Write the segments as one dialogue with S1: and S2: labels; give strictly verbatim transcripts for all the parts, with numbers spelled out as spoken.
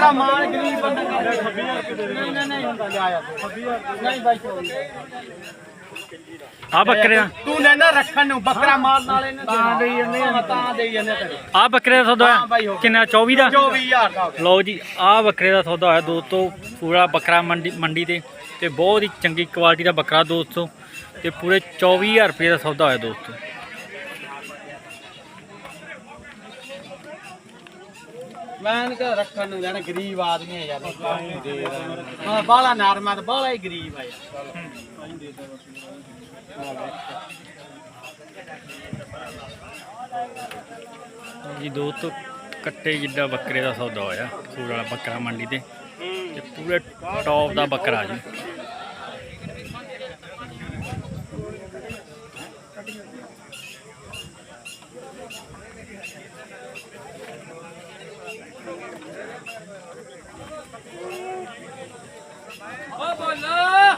S1: ਬੱਕਰਾ ਮਾਲ ਗਰੀਬ ਬੰਦਾ ਨਹੀਂ ਨਹੀਂ ਨਹੀਂ ਹੁੰਦਾ ਲਿਆ ਯਾਰ ਨਹੀਂ ਬਾਈ
S2: ਆ ਬੱਕਰੇ ਦਾ
S1: ਤੂੰ ਲੈਣਾ ਰੱਖਣ ਨੂੰ ਬੱਕਰਾ ਮਾਲ ਨਾਲ ਇਹਨੇ ਤਾਂ ਦੇਈ ਜਾਂਦੇ ਤਾਂ ਦੇਈ ਜਾਂਦੇ ਤੇਰੇ
S2: ਆ ਬੱਕਰੇ ਦਾ ਸੌਦਾ ਹੋਇਆ ਕਿੰਨਾ ਚੌਵੀ ਦਾ
S1: ਚੌਵੀ ਹਜ਼ਾਰ ਦਾ
S2: ਲਓ ਜੀ ਆ ਬੱਕਰੇ ਦਾ ਸੌਦਾ ਹੋਇਆ ਦੋਸਤੋ ਪੂਰਾ ਬੱਕਰਾ ਮੰਡੀ ਮੰਡੀ ਤੇ ਤੇ ਬਹੁਤ ਹੀ ਚੰਗੀ ਕੁਆਲਿਟੀ ਦਾ ਬੱਕਰਾ ਦੋਸਤੋ ਤੇ ਪੂਰੇ ਚੌਵੀ ਹਜ਼ਾਰ ਰੁਪਏ ਦਾ ਸੌਦਾ ਹੋਇਆ ਦੋਸਤੋ
S1: ਮੈਂ ਤਾਂ ਰੱਖਣ ਨੂੰ ਲੈਣਾ ਗਰੀਬ ਆਦਮੀ ਹੈ ਯਾਰ ਹਾਂ ਬਾਲਾ ਨਰਮਾ ਤੇ ਬਾਲਾ ਹੀ ਗਰੀਬ ਆ ਯਾਰ
S2: ਜੀ ਦੋਸਤੋ ਕੱਟੇ ਜਿੱਡਾ ਬੱਕਰੇ ਦਾ ਸੌਦਾ ਹੋਇਆ ਸੂਰ ਵਾਲਾ ਬੱਕਰਾ ਮੰਡੀ ਤੇ ਤੇ ਪੂਰੇ ਟੌਪ ਦਾ ਬੱਕਰਾ ਜੀ
S1: ਓ ਬੋਲੋ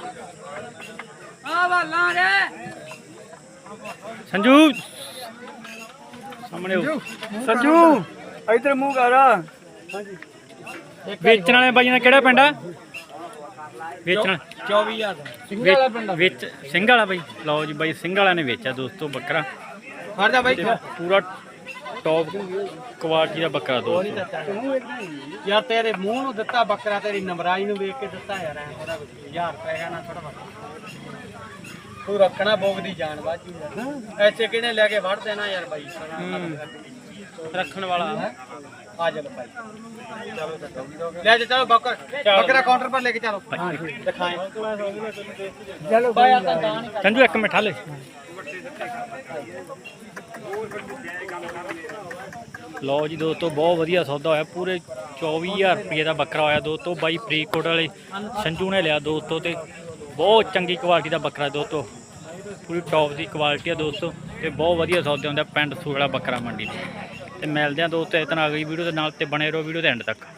S1: ਆ ਵਾਲਾ ਰੇ
S2: ਸੰਜੂ ਸਾਹਮਣੇ
S1: ਸੰਜੂ ਇਧਰ ਮੂੰਹ ਕਰ ਹਾਂਜੀ
S2: ਵੇਚਣ ਵਾਲੇ ਬਾਈਆਂ ਦਾ ਕਿਹੜਾ ਪਿੰਡ ਆ ਵੇਚਣ
S1: ਚੌਵੀ ਹਜ਼ਾਰ ਸਿੰਘ ਵਾਲਾ ਪਿੰਡ
S2: ਵਿੱਚ ਸਿੰਘ ਵਾਲਾ ਬਾਈ ਲਓ ਜੀ ਬਾਈ ਸਿੰਘ ਵਾਲਾ ਨੇ ਵੇਚਿਆ ਦੋਸਤੋ ਬੱਕਰਾ
S1: ਫੜ ਜਾ ਬਾਈ
S2: ਪੂਰਾ ਟੌਪ ਕੁਆਲਿਟੀ ਦਾ ਬੱਕਰਾ ਦੋਸਤੋ
S1: ਯਾਰ ਤੇਰੇ ਮੂੰਹ ਨੂੰ ਦਿੱਤਾ ਬੱਕਰਾ ਤੇਰੀ ਨਮਰਾਈ ਨੂੰ ਵੇਖ ਕੇ ਦਿੱਤਾ ਯਾਰ ਐ ਥੋੜਾ ਹਜ਼ਾਰ ਰੁਪਏ ਨਾ ਥੋੜਾ ਤੂੰ ਰੱਖਣਾ ਬੋਗ ਦੀ ਜਾਨ ਬਾਜੀ ਐਸੇ ਕਿਹਨੇ ਲੈ ਕੇ ਵੜ ਦੇਣਾ ਯਾਰ ਬਾਈ ਰੱਖਣ ਵਾਲਾ ਹੈ ਆ ਜਾ ਭਾਈ ਚਲੋ ਲੈ ਜਾ ਚਲੋ ਬੱਕਰਾ ਬੱਕਰਾ ਕਾਊਂਟਰ ਪਰ ਲੈ ਕੇ ਚਲੋ ਦਿਖਾਏ ਚਲੋ ਭਾਈ ਆ ਤਾਂ ਦਾਨ
S2: ਸੰਜੂ ਇੱਕ ਮਿੰਟ ਹਾਲੇ ਲਓ ਜੀ ਦੋਸਤੋ ਬਹੁਤ ਵਧੀਆ ਸੌਦਾ ਹੋਇਆ ਪੂਰੇ ਚੌਵੀ ਹਜ਼ਾਰ ਰੁਪਏ ਦਾ ਬੱਕਰਾ ਹੋਇਆ ਦੋਸਤੋ ਬਾਈ ਫਰੀਦਕੋਟ ਵਾਲੇ ਸੰਜੂ ਨੇ ਲਿਆ ਦੋਸਤੋ ਤੇ ਬਹੁਤ ਚੰਗੀ ਕੁਆਲਿਟੀ ਦਾ ਬੱਕਰਾ ਦੋਸਤੋ ਪੂਰੀ ਟੌਪ ਦੀ ਕੁਆਲਿਟੀ ਆ ਦੋਸਤੋ ਤੇ ਬਹੁਤ ਵਧੀਆ ਸੌਦੇ ਹੁੰਦੇ ਪਿੰਡ ਸੂੜਾ ਬੱਕਰਾ ਮੰਡੀ ਤੇ ਤੇ ਮਿਲਦੇ ਆ ਦੋਸਤੋ ਇਸ ਤਰ੍ਹਾਂ ਅਗਲੀ ਵੀਡੀਓ ਦੇ ਨਾਲ ਤੇ ਬਣੇ ਰਹੋ ਵੀਡੀਓ ਦੇ ਐਂਡ ਤੱਕ।